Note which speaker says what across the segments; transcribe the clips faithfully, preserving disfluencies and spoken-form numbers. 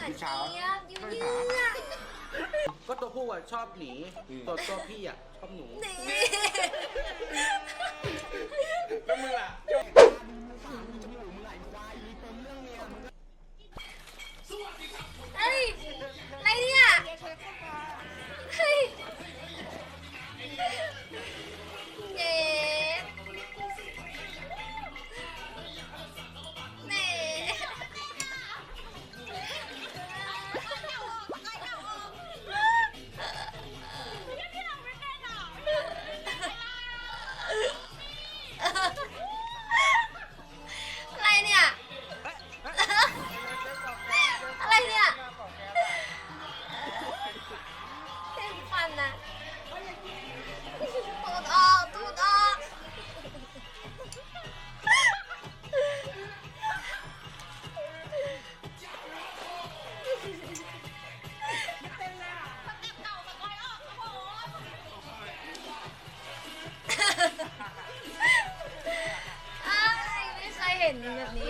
Speaker 1: านเจี๊ยบยืดยืด
Speaker 2: ก็ตัวผู้อ่ะชอบหนีตัวตัวพี่อ่ะชอบหนู
Speaker 1: นี่
Speaker 2: แล้วมึงล่ะ
Speaker 1: เฮ้ยอะไรเนี่ยเฮ้ยเย้แหม่อะไรเนี่ย อะไรเนี่ยเต็มฟันนะตูดออกตูดออกอ้ายไม่เคยเห็นแบบนี้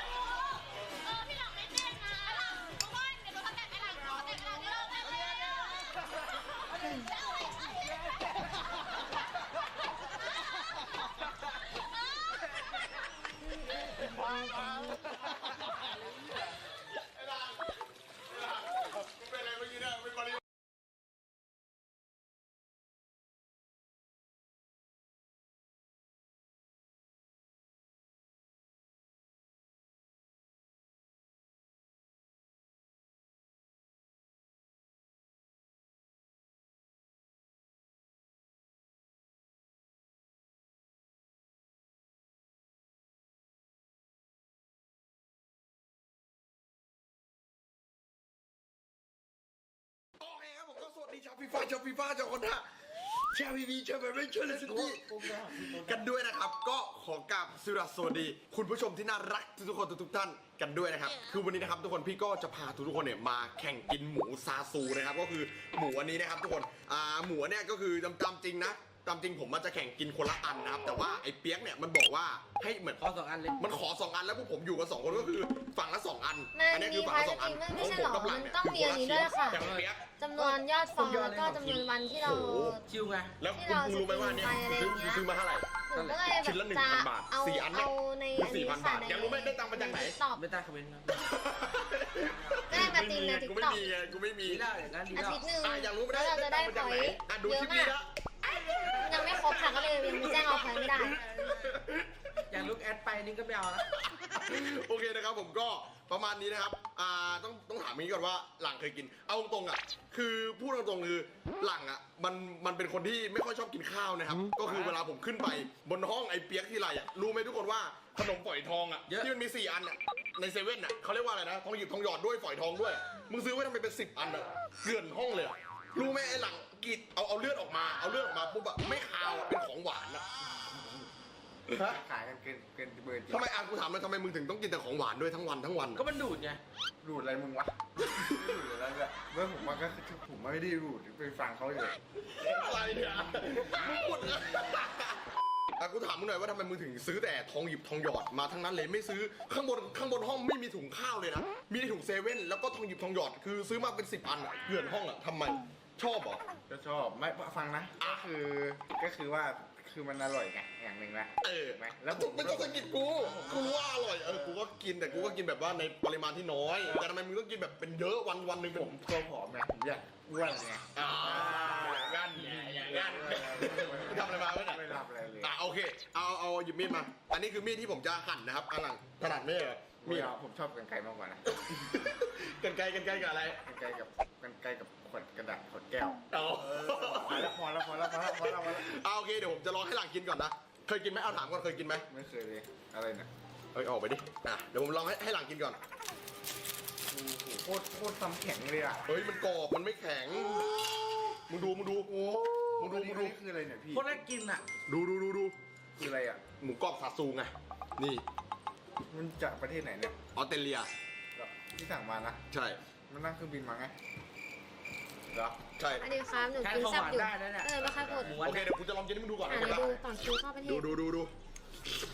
Speaker 3: โอเคครับผมก็สวัสดีชาวฟีฟ่าชาวฟีฟ่าชาวคนท่าชาวพีพีชาวแบบไม่ช่วยเลยสิกันด้วยนะครับ ก็ขอกราบสุรสวัสดี คุณผู้ชมที่น่ารักทุกคนทุกท่านกันด้วยนะครับคือวันนี้นะครับทุกคนพี่ก็จะพาทุกคนเนี่ยมาแข่งกินหมูซาซูนะครับก็คือหมูอันนี้นะครับทุกคนอ่าหมูเนี่ยก็คือตามจริงนะตามจริงผมมันจะแข่งกินคนละอันนะครับแต่ว่าไอ้เปี๊ยกเนี่ยมันบอกว่าให้เหมือน
Speaker 2: ขอสองอันเลย
Speaker 3: มันขอสองอันแล้วพวกผมอยู่กันสองคนก็คือฝั่งละสองอัน
Speaker 1: มัน
Speaker 3: อันนี้คือฝั่งละสองอัน
Speaker 1: มี
Speaker 3: ของ
Speaker 1: พา
Speaker 3: ผม
Speaker 1: ร์ท
Speaker 3: กับหลังเนี่ย
Speaker 1: ต้องมีอันนี้ด้วยค่ะ
Speaker 3: แต่ของเปี๊ยก
Speaker 1: จำนวนยอดฟอลแล้วก็จำนวนวันที่เรา
Speaker 2: คิวไง
Speaker 3: แล้วคุณครูรู้ไหมว่าเนี่ยซื้อซื้อมาเท่าไหร่
Speaker 1: หนูก็เลย
Speaker 3: ชิ้นละหนึ่ง
Speaker 1: จะ
Speaker 3: พันบาท
Speaker 1: เอา
Speaker 3: สี่อันเนี่ย
Speaker 1: เอาใน
Speaker 3: คือ
Speaker 1: อัน
Speaker 3: สี่
Speaker 1: นี้
Speaker 3: พัน
Speaker 1: ค่ะ
Speaker 3: บาทอยากรู้ไหมได้ตังค์มาจากไหน
Speaker 1: ตอบ
Speaker 2: ไม่ใต้คอมเมนต์ครับ
Speaker 1: ก็ได้มาตีใน
Speaker 3: กู
Speaker 1: ติ๊ก
Speaker 3: ไม่
Speaker 1: ต็อก
Speaker 3: มีไงกูไม่มี
Speaker 2: ดีแล้วอย่างนั้นดี
Speaker 1: อา
Speaker 2: แล้ว
Speaker 1: ทิตย์หนึ่ง
Speaker 3: อ่ะอยากรู้ไหม
Speaker 1: แล้วเราจะได้
Speaker 3: ตังค์มาจากไหน
Speaker 1: พอยต์
Speaker 3: อ่ะดู
Speaker 1: เย
Speaker 3: คลิ
Speaker 1: อะ
Speaker 3: ปนี้
Speaker 1: มาก
Speaker 3: นะ
Speaker 1: ยังไม่ครบค่ะก็เลยยังแจ้งเอาพอยต์ไม่ได้
Speaker 2: อย่างลูกแอดไปนี่ก็ไม่เอาละ
Speaker 3: โอเคนะครับผมก็ประมาณนี้นะครับอ่าต้องต้องถามนี้ก่อนว่าหลังเคยกินเอาตรงๆอ่ะคือพูดตรงๆคือหลังอ่ะมันมันเป็นคนที่ไม่ค่อยชอบกินข้าวนะครับก็คือเวลาผมขึ้นไปบนห้องไอ้เปียกที่ไรอ่ะรู้ไหมทุกคนว่าขนมฝอยทองอ่ะที่มันมีสี่อันอ่ะในเซเว่นอ่ะเขาเรียกว่าอะไรนะทองหยิบทองหยอดด้วยฝอยทองด้วยมึงซื้อไว้ทำไมเป็นสิบอันอ่ะเกลื่อนห้องเลยอะรู้ไหมไอ้หลังกิดเอาเอาเลือดออกมาเอาเลือดออกมาปุ๊บอะไม่คาวอะเป็นของหวานอะฮะ
Speaker 4: ขายกันเกินเกินเบอร์จริง
Speaker 3: ทำไมอ่ะกูถามเลยทำไมมึงถึงต้องกินแต่ของหวานด้วยทั้งวันทั้งวันอะ
Speaker 2: ก็มันดูดไง
Speaker 4: รูดอะไรมึงวะรูดอะไรเนี่ยเมื่อผมมาก็คือผมไม่ได้รูดไปฟังเขาเลย
Speaker 3: อะไรเนี่ยมึงพูดอะอ่ะกูถามมึงหน่อยว่าทำไมมึงถึงซื้อแต่ทองหยิบทองหยอดมาทั้งนั้นเลยไม่ซื้อข้างบนข้างบนห้องไม่มีถุงข้าวเลยนะมีแต่ถุงเซเว่นแล้วก็ทองหยิบทองหยอดคือซื้อมาเป็นสิบอันอะเกลื่อนห้องอะทำไมชอบเหรอ
Speaker 4: ก็ชอบไม่ฟังนะก็คือก็คือว่าคือมันอร่อยไงอย่างหนึ่งละ
Speaker 3: เออ
Speaker 4: ไหม
Speaker 3: แล้วผมไม่ต้องสะกิดกูกูรู้ว่าอร่อยเออกูก็กินแต่กูก็กินแบบว่าในปริมาณที่น้อยแต่ทำไมมึงต้องกินแบบเป็นเยอะวันวันหนึ่ง
Speaker 4: ผมตัวผอมไงผมอยากอ้วนไง
Speaker 3: อ่างั้นอย่างงั้นทำอะไรมาไม่ได้
Speaker 4: ไม่รับอะไรเลย
Speaker 3: อ่ะโอเคเอาเอาหยิบมีดมา อันนี้คือมีดที่ผมจะหั่นนะครับอันหลังถนัดไม่เหรอ
Speaker 4: มี
Speaker 3: มีด
Speaker 4: ผมชอบกันไกลมากกว่านะ
Speaker 3: กันไกลกันไกลกับอะไร
Speaker 4: กันไกลกับกันไกลกับขวดกระดาษขวดแก้ว
Speaker 3: อ๋อ
Speaker 4: พอแล้วพอแล้วพอแล้วพอแล้วพอแล้วพอแล้ว
Speaker 3: เอาโอเคเดี๋ยวผมจะลองให้หลังกินก่อนนะเคยกินไหมเอาถามก่อนเคยกินไหม
Speaker 4: ไม่เคยเลยอะไรเนี่ย
Speaker 3: เอ้ยออกไปดิอ่ะเดี๋ยวผมลองให้ให้หลังกินก่อน
Speaker 4: โอ้โหโคตรโคตรทำแข็งเลยอ่ะ
Speaker 3: เฮ้ยมันกรอบมันไม่แข็งมึงดูมึงดูโอ้มึงดูมึงดู
Speaker 4: นี่คืออะไรเนี่ยพี่
Speaker 2: คนแรกกินอ่ะ
Speaker 3: ดูดูดูดู
Speaker 4: คืออะไรอ่ะ
Speaker 3: หมูกรอบซาซูไง นี่
Speaker 4: มันจากประเทศไหนเนี่ย
Speaker 3: ออสเตรเลีย
Speaker 4: ที่สั่งมานะ
Speaker 3: ใช่
Speaker 4: มันนั่งเครื่องบินมาไงเหรอ
Speaker 3: ใช่
Speaker 1: อันนี้ครับหนู
Speaker 2: แค่
Speaker 1: กิน
Speaker 2: ของ
Speaker 1: แซ่
Speaker 2: ห
Speaker 1: บ
Speaker 2: วาน
Speaker 1: อยู่
Speaker 2: ได้นะเนี่ย
Speaker 1: เออไม่ค่อยพูด
Speaker 2: หมู
Speaker 3: โอเคเดี๋ยวกูจะลองกินให้มึงดูก่อน
Speaker 1: อ่า
Speaker 3: นะ
Speaker 1: เดี๋ยวดูก่อนคิวเข้าประเทศ
Speaker 3: ดูดูดูดู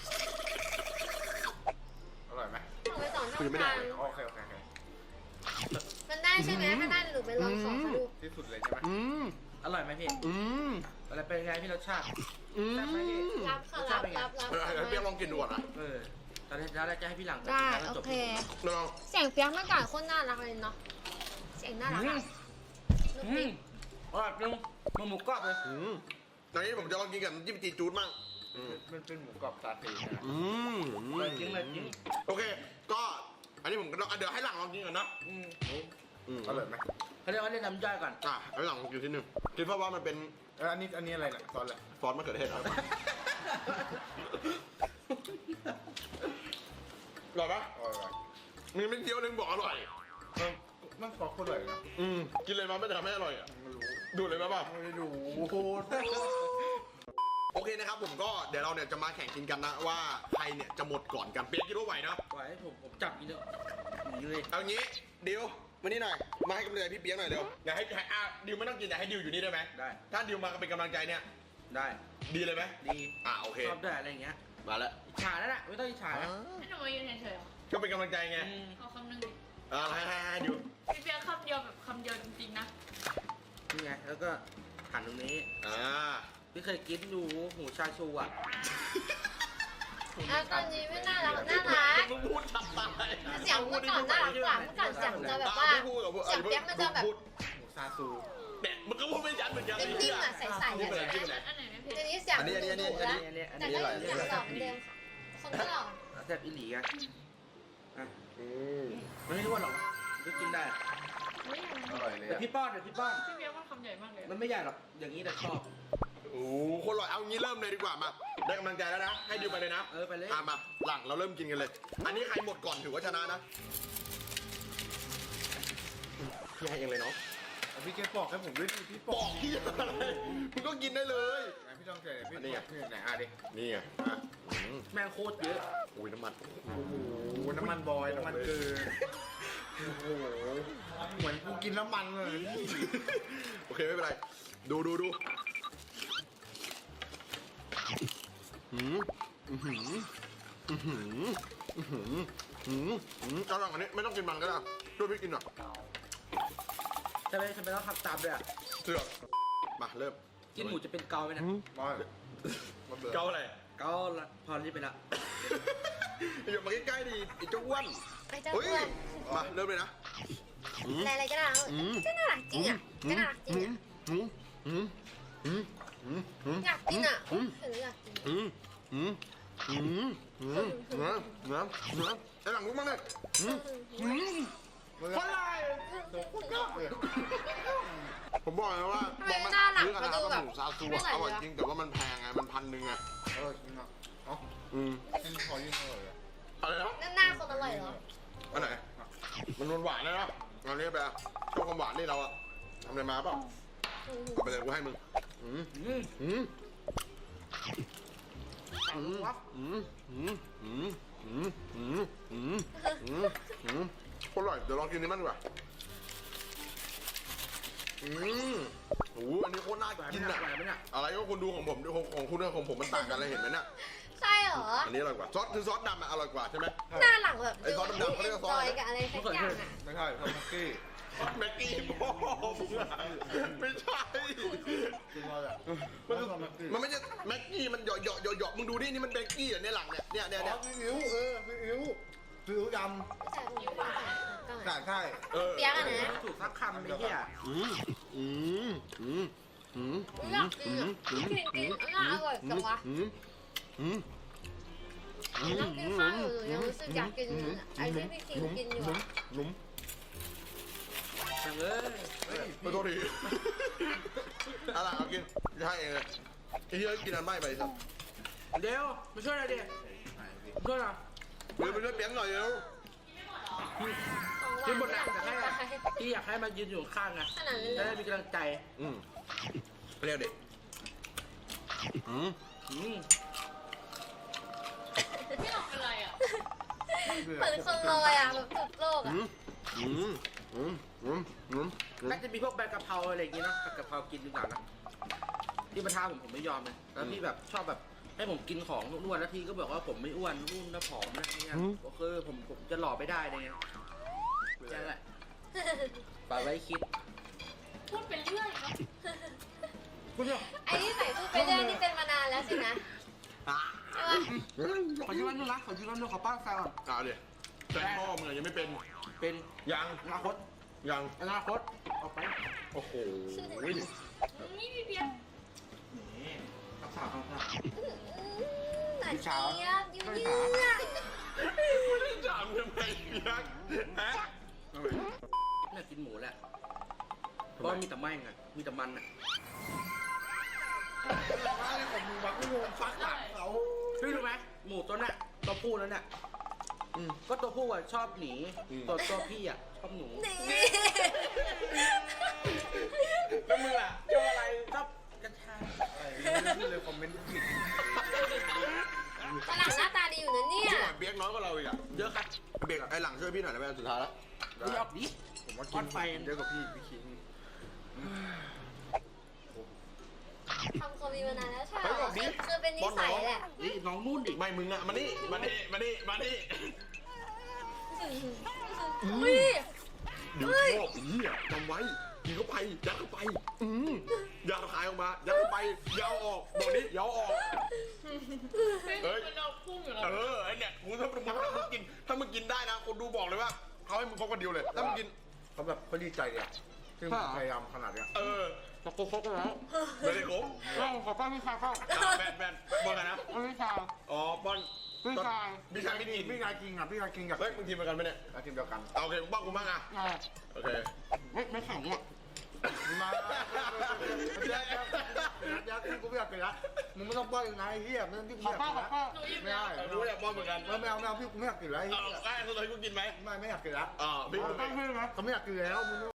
Speaker 4: อร่อยไหม
Speaker 1: ส่งไปสองช่องทาง
Speaker 4: โอเคโอเคโอเค
Speaker 1: มันได้ใช่ไหมถ้าได้หนูไปลองขอเขาดู
Speaker 4: ที่สุดเลยใช่ไหม
Speaker 3: อืม
Speaker 2: อร่อยไหมพี่
Speaker 3: อืม
Speaker 2: อะไรเป็นไงพี่รสชาติ
Speaker 3: อืม
Speaker 2: แซ่บไหมพี่
Speaker 1: รับค่ะรับรับรับ
Speaker 3: เออให้เปียกลองกินดูก่อนนะ
Speaker 2: เออตอนนี้แล้วจะให้พี่หลัง
Speaker 1: ได้
Speaker 2: แล้ว
Speaker 1: โอ
Speaker 2: จบ
Speaker 1: เค
Speaker 3: ลอง
Speaker 1: เสียงเปียกเมื่อก่อนโคตรน่ารักเลยเนาะเสียงน่ารักอะลูก
Speaker 2: อื
Speaker 1: ปิ๊
Speaker 2: ม
Speaker 1: ก
Speaker 2: อร่อยจริงมันหมูกรอบเลย
Speaker 3: อืมตอนนี้ผมจะลองกินกับน้ำจิ้มจีจูดมั่งอืม
Speaker 4: มันเป็นหมูกรอบซาเต้นะ
Speaker 3: อืม
Speaker 2: เลยจริงเลยจริง
Speaker 3: โอเค ก็อันนี้ผมก็ต้องอ่ะเดี๋ยวให้หลังลองกินก่อนนะ
Speaker 2: อืม
Speaker 3: อืม
Speaker 4: อร่อยไหม
Speaker 2: เขาเรียกว่าเล่นน้ำย่อยก่อน
Speaker 3: อ่ะให้หลังลองกินทีหนึงคิดว่าว่ามันเป็น
Speaker 4: เอออันนี้อันนี้อะไรเนี่ยซอสอะไร
Speaker 3: ซอสมะเขือเทศครับอร่อยปะ
Speaker 4: อร่อย
Speaker 3: มีไม่เดียวนึงบอกอร่อย
Speaker 4: มันมันซอสโคตรอร่อยนะ
Speaker 3: อืมกินเลยมาไม่ทำให้อร่อยอ่ะ
Speaker 4: ไม่รู้
Speaker 3: ดูเลยมาป่ะ
Speaker 4: ไม่ได้ดู
Speaker 3: โอเคนะครับผมก็เดี๋ยวเราเนี่ยจะมาแข่งกินกันนะว่าใครเนี่ยจะหมดก่อนกันเปียกคิดว่าไหวนะ
Speaker 2: ไหวผมผมจับกินเลยหนีเลย
Speaker 3: เอางี้ดิวมานี่หน่อยมาให้กำลังใจพี่เปียกหน่อยเร็วอย่าให้ให้อ่ะดิวไม่ต้องกินแต่ให้ดิวอยู่นี่ได้ไหม
Speaker 2: ได้
Speaker 3: ถ้าดิวมาเป็นกำลังใจเนี่ย
Speaker 2: ได้
Speaker 3: ดีเลยไหม
Speaker 2: ดี
Speaker 3: อ่ะโอเค
Speaker 2: ชอบด้วยอะไรอย่างเงี้ย
Speaker 3: มาแล้ว
Speaker 2: อิจฉาแล้วน่ะไม่ต้องอิจฉานะ
Speaker 5: ให้หนูมายืนเฉยๆเหรอ
Speaker 3: ก็เป็นกำลังใจไง
Speaker 2: อืม
Speaker 5: เอาคำหนึ่งดิ
Speaker 3: อ่าให้ให้ให้ดิว
Speaker 5: พี่เปียกคำเดียวแบบคำเดียวจริงๆนะ
Speaker 2: นี่ไงแล้วก็หั่นตรงนี้
Speaker 3: อ่า
Speaker 2: พี่เคยกินดูหมูชาชูอ่ะ
Speaker 1: อ่ะตอนนี้ไม่น่ารักน่ารัก
Speaker 3: มึงพูดชัดตาย
Speaker 1: เสียงเมื่อก่อนน่ารักกว่าเมื่อก่อนเสียงจะแบบว่าเสียงเปียกมันจะแบบ
Speaker 3: พูด
Speaker 4: หมูซาซู
Speaker 3: เนี่ยมึงก็พูดไม่ชัดเหมือนกัน
Speaker 1: นิ่มๆอ่ะใสๆ
Speaker 3: นี่
Speaker 1: อ่ะ
Speaker 3: เป็นอะไรที่เป็นอะไร
Speaker 5: อันไหนไม่เผ็ด
Speaker 1: เดี๋ยวนี้เสียง
Speaker 3: อันนี้อันนี้อันนี้
Speaker 1: ดุๆแล้ว
Speaker 2: อันนี้อัน
Speaker 1: แต่
Speaker 2: นี้
Speaker 1: ก็
Speaker 2: อร่อย
Speaker 1: ยังเสียงหล่อเหมือนเดิมค่ะคนก็หล่อ
Speaker 2: แซ่บอีหลีอ่ะอ่ะ
Speaker 3: อืม
Speaker 2: มันไม่รู้ว่าหรอกก็กินได้
Speaker 5: ไม่ยังไง
Speaker 4: อร่อยเลย
Speaker 2: แต่
Speaker 4: อะ
Speaker 2: พี่ป้อนเดี๋ยวพี่ป้อน
Speaker 5: พี่เปียกว่าคำใหญ่มากเลย
Speaker 2: มันไม่ใหญ่หรอกอย่างนี้แต่ชอบ
Speaker 3: โอ้โหคนอร่อยเอางี้เริ่มเลยดีกว่ามาได้กำลังใจแล้วนะให้ดิวไปเลยนะ
Speaker 2: เออไปเลย
Speaker 3: อ่ะมาหลังเราเริ่มกินกันเลย อันนี้ใครหมดก่อนถือว่าชนะนะพี่ให้เองเลยเนาะ
Speaker 4: เอาพี่เกปอกให้ผมด้วยดิพี่ป
Speaker 3: บ
Speaker 4: อ
Speaker 3: อก กพี่อะไรมึงก็กินได้เลย
Speaker 4: ไหนพี่ต้องเจอพี่
Speaker 3: อันนี้ไง
Speaker 4: พี่ไหนอ่ะดิ
Speaker 3: นี่ไงอ่ะอืม
Speaker 2: แม่งโคตรเยอะ
Speaker 3: อุ้ยน้ำมัน
Speaker 4: โอ้โหน้ำมันบอยน้ำมันเกลือโอ้โหเหมือนกูกินน้ำมันเลย
Speaker 3: โอเคไม่เป็นไร ดูดูดูหืมอือหืออือหืออือหืออือหือเอาหลังอันนี้ไม่ต้องกินมันก็ได้ช่วยพี่กินหน่อย
Speaker 2: ใช่ไหมทำไมต้องทำตามด้วยอ่ะ
Speaker 3: เสือกมาเริ่ม
Speaker 2: กินหมูจะเป็นเกาไหมเนี่ย
Speaker 4: บอยมาเบื่อ
Speaker 3: เกาอะไร
Speaker 2: เกาละพอรีบไปละ
Speaker 3: อย่ามาใกล้ๆดิไอ้เจ้าอ้วน
Speaker 1: ไอ้เจ้า
Speaker 3: เฮ้ย
Speaker 1: อ้วน
Speaker 3: มาเริ่มเลยนะอืม
Speaker 1: อะไรๆก็น่ารัก
Speaker 3: อืม
Speaker 1: ก็น่ารักจริงอ่ะก็น่ารักจริงอ่ะ
Speaker 3: อืมอืมอืมอืมอืม
Speaker 1: อยากกินอ่ะเห็นแล้วอยากกิน
Speaker 3: อืมอืมอืมอืมเนื้อเนื้อเนื้อไอ้หลังมุกมั้งเลยอืมอืม
Speaker 2: คนไร
Speaker 3: ผมบอกเลยว่า
Speaker 1: ทำไมหน้าหลัง
Speaker 3: เรื่อง
Speaker 1: เขา
Speaker 3: อะไร
Speaker 1: ดู
Speaker 3: ก็
Speaker 1: แบบ
Speaker 3: หมูซาซู
Speaker 1: ไม่
Speaker 3: อะ
Speaker 1: ไหล
Speaker 3: อร่อย
Speaker 1: เลย
Speaker 3: จริงแต่ว่ามันแพงไงมันพันหนึ่งไง
Speaker 4: อร่อยจริงอ่ะเอ้า
Speaker 3: อืม
Speaker 4: ยิ่งพอยิ่งอร่อยอ่ะ
Speaker 3: อะไรนะ
Speaker 1: นั่นหน้าคนอร่อยเหรอ
Speaker 3: อันไหนมันหวานๆนะนะอันนี้ไปอะชอบความหวานนี่เราอะทำอะไรมาเปล่าเอาไปเลยกูให้มึงอืม
Speaker 2: อืม
Speaker 3: อืม
Speaker 2: อืม
Speaker 3: อืมอืมอืมอืมอืมอืมอืมอืมอร่อยเดี๋ยวลองกินนี้มันดีกว่าอืมโอ้โหอันนี้โคตรน่า
Speaker 2: ไหวไหม
Speaker 3: กิน
Speaker 2: เนี่ย
Speaker 3: อะ
Speaker 2: ไหวไหมเนี่ย
Speaker 3: อะไรก็คนดูของผมของของคุณกับของผมมันต่างกันเลยเห็นไหมเนี่ย
Speaker 1: ใช่เหรอ
Speaker 3: อันนี้อร่อยกว่าซอสคือซอสดำอะอร่อยกว่าใช่ไหม
Speaker 1: หน้าหลังแบบ
Speaker 3: ไอ้ซอสดำๆเขาเรียกว่าซอส
Speaker 1: จ
Speaker 3: อะไร
Speaker 1: อยกับอะไรสักอย่างอ่ะ
Speaker 4: ไม่ใช่ทอมกี้
Speaker 3: ซอสแม็กกี้พ่อมึงอะไม่ใช่
Speaker 4: คือว่าแบบ
Speaker 3: มัน
Speaker 4: ทอมกี้
Speaker 3: มันไม่ใช่แม็กกี้มันเหยาะเหยาะเหยาะเหยาะมึงดูนี่นี่มันแม็กกี้เหรอเนี่ยหลังเนี่ยเนี่ยเนี่ย
Speaker 4: อ๋
Speaker 3: เนี่
Speaker 4: อย ซีอิ๊วเออซีอิ๊วซีอิ๊วด
Speaker 1: ใช่ผมว่าก็
Speaker 4: ำ
Speaker 1: ใช่
Speaker 4: ใช่ใช่
Speaker 3: เออ
Speaker 1: เปียกอะนะ
Speaker 2: ถูกสักคำไอ้เหี้ย
Speaker 3: อืมอืมอืมอืม
Speaker 1: อยากกินอ่ะกินกินน่าอร่อยจังวะ
Speaker 3: อืมอืม
Speaker 1: นั่งกินข้าวอยู่ยังรู้สึกอยากกินไอ้ที่พี่คิงกินอยู่อะ
Speaker 3: หนุ่ม
Speaker 2: จังเอ้ย
Speaker 3: เฮ้ยขอโทษทีอะไรเอากินจะให้เองเลยไอ้เหี้ยกินอันไม่ไปสัก
Speaker 2: เดี๋ยวมาช่วยหน่อยดิมาช่วยหน่อย
Speaker 3: เดี๋ยวไปช่วยเปียกหน่อยเร็ว
Speaker 2: กินหมดแล้วแต่ให้พี่อยากให้มันยืนอยู่ข้างไง
Speaker 1: ขนาดนั้น
Speaker 2: จะ
Speaker 1: เล
Speaker 2: ได้
Speaker 1: ย
Speaker 2: มีกำลังใจ
Speaker 3: อืมเรียกเด็กอืม
Speaker 2: อืม
Speaker 5: พี่หลอกเป็นไรอ่ะ
Speaker 1: เหมือนคนลอยอ่ะแบบจุดโลก
Speaker 3: อื
Speaker 1: อ่ะ
Speaker 3: มอืมอืมอืมอืมอืม
Speaker 2: น่าจะมีพวกใบกะเพราอะไรอย่างงี้เนอะผัดกะเพรากินดีกว่านะที่มาท้าผมผมไม่ยอมเลยแล้วพี่แบบชอบแบบให้ผมกินของอ้วนๆแล้วทีก็บอกว่าผมไม่อ้วนรุ่นนะผอมนะเนี่ยโอเคผมผมจะหล่อไม่ได้เลยไงใช่แหละฝากไว้คิด
Speaker 5: พูดไปเรื่อยเนาะ
Speaker 2: คุณเนี่ย
Speaker 1: ไอ้ที่ใส่พูดไปเรื่อยนี่เป็นมานานแล้วสินะใช่ปะ
Speaker 2: ขอยืมวันนึงนะขอยืมวันนึงขอป้าแซวก่อน
Speaker 3: เอาดิแต่พ่อมึงอะยังไม่เป็น
Speaker 2: เป็น
Speaker 3: ยัง
Speaker 2: อนาคต
Speaker 3: ยัง
Speaker 2: อนาคตออกไป
Speaker 3: โอ้โห
Speaker 5: นี่พี่เพียร
Speaker 2: นี่รักษาความสะอาด
Speaker 1: หนาเจี๊ยบยิ้มเยือก
Speaker 3: ถามทำไมเพียกฮะ
Speaker 2: น่ากินหมูแหละเพราะมีแต่แม่งอ่ะมีแต่มันอ่ะ
Speaker 4: อะไรของมึงวะกูงงฟักหลังเขา
Speaker 2: พี่รู้ไหมหมูตัวเนี้ยตัวผู้แล้วเนี่ย
Speaker 3: อืม
Speaker 2: ก็ตัวผู้อ่ะชอบหนี
Speaker 3: อืม
Speaker 2: ตัวตัวพี่อ่ะชอบหนู
Speaker 1: นี่
Speaker 2: แล้วมึงล่ะชอบอะไรชอบกัญชา
Speaker 4: พี่เลยคอมเมนต์ผิด
Speaker 1: ฝรั่งหน้าตาดีอยู่นะเนี่ย
Speaker 3: ช่วยเปียกน้อยกว่าเราอีกอะ
Speaker 2: เยอะครับ
Speaker 3: เปียกไอ้หลังช่วยพี่หน่อยได้ไหมสุดท้ายแล้ว
Speaker 2: มึงออกดิ
Speaker 4: ผมว่า
Speaker 2: ก้
Speaker 4: กิ
Speaker 2: อน นไฟ
Speaker 4: เยอะกว่าพี่พี่คิง
Speaker 1: ทำคอมมีมานานแล้วใช่ไหมคือคือเป็นนิสัยแหละ
Speaker 2: นี่น้องนุ่นดิ
Speaker 3: ไม่มึงอะมานี่มานี่มานี่มานี่
Speaker 1: อุ้ย
Speaker 3: เดี๋ยวชอบอีอ่ะจำไว้กินเข้าไปยัดเข้าไปอืมอย่าคายออกมายัดเข้าไปอยาวออกบอกนี้อยาวออก
Speaker 5: เฮ้ยมันเราพุ่งอยู่แล้ว
Speaker 3: เออไอเนี่ยมึงถ้ามึงถ้ามึงกินถ้ามึงกินได้นะคนดูบอกเลยว่าเขาให้มึงพกคนเดียวเลยถ้ามึงกิน
Speaker 4: เขาแบบเขาดีใจเลยอะที่มึงพยายามขนาดเนี้ย
Speaker 3: เออ
Speaker 2: ตะโกนเขาก็แล้ว
Speaker 3: ไม่ได้ครบ
Speaker 2: เอ้าขอป้าพี่ชายเข้า
Speaker 3: อ่ะแบนแบนบอลกันนะ
Speaker 2: พี่ชาย
Speaker 3: อ๋อบอล
Speaker 2: พี่ชาย
Speaker 3: พี่ชายไม่กิน
Speaker 4: พี่นายกิงอ่ะพี่นายกิงกับ
Speaker 3: เฮ้ยมึงทีมเดียวกันไหมเนี่ย
Speaker 4: อาทีมเดียวกัน
Speaker 3: เอาโอเคมึงบ้างกูบ้างอ่ะ
Speaker 2: อ่า
Speaker 3: โอเค
Speaker 2: ไม่ไม่แข่งเนี่ย
Speaker 4: มาเดี๋ยวเดี๋ยวเดี๋ยวกูไม่อยากกินละมึงไม่ต้องป้อนอีกนะไอ้เหี้ยไม่ต้องพี่
Speaker 2: ขอป้าขอป้า
Speaker 5: หนูยิ้ม
Speaker 4: ไม่
Speaker 5: แล้ว
Speaker 4: ได้
Speaker 3: เออรู้อยากบอลเหมือนกัน
Speaker 4: ไม่เอาไม่เอาพี่กูไม่อยากกินแล้วไอ้
Speaker 3: เอา
Speaker 4: เหี้ย
Speaker 3: ได้สุดท้ายกูกินไหม
Speaker 4: ไม่ไม่อยากกินละ
Speaker 3: อ่าพี่
Speaker 2: ขอป้าพี่นะ
Speaker 4: เขาไม่อยากกินแล้วมึง